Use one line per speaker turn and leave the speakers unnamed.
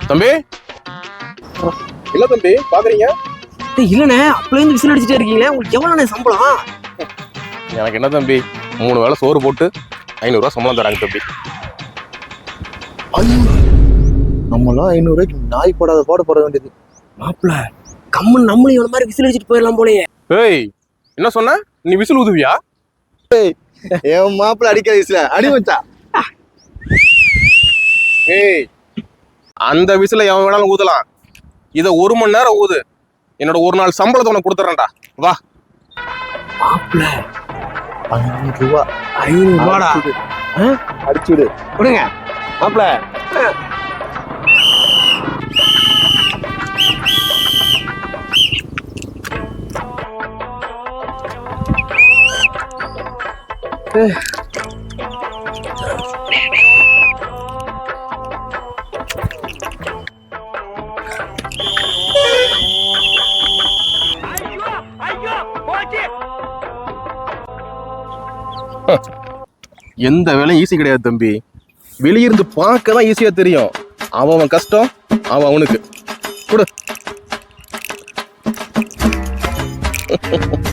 தம்பி இல்ல தம்பி பாக்குறீங்க?
இல்லண்ணே, அப்பலேருந்து விசில் அடிச்சுட்டே இருக்கீங்களே, உங்களுக்கு எவ்வளோண்ணே சம்பளம்?
எனக்கு என்ன தம்பி, 3 வேளை சோறு போட்டு 500 ரூபா சம்பளம் தராங்க தம்பி.
நம்மளாம் 500 ரூபாய்க்கு நாய் போடாத பாடு போட வேண்டியது.
மாப்பிள்ள கம்மன் நம்மளும் இவ்வளவு மாதிரி விசில் அடிச்சுட்டு போயிடலாம் போலயே.
ஏய் என்ன சொன்ன? நீ விசில் ஊதுவியா?
என் மாப்பிள்ள அடிக்கிற விசில அடி வச்சா.
ஏய் அந்த விசில எவன் வேணாலும் ஊதலாம். இத 1 மணி நேரம் ஊது. என்னோட 1 நாள் சம்பளத்தை உனக்கு கொடுத்துறேன்டா. வா.
மாப்பிள்ள
500 ரூபா
500 ரூபாடா.
அடிச்சுடு
கொடுங்க மாப்பிள்ள.
எந்த வேலையும் ஈஸி கிடையாது தம்பி. வெளியிருந்து பார்க்க தான் ஈஸியா தெரியும். அவன் கஷ்டம் அவனுக்கு கொடு.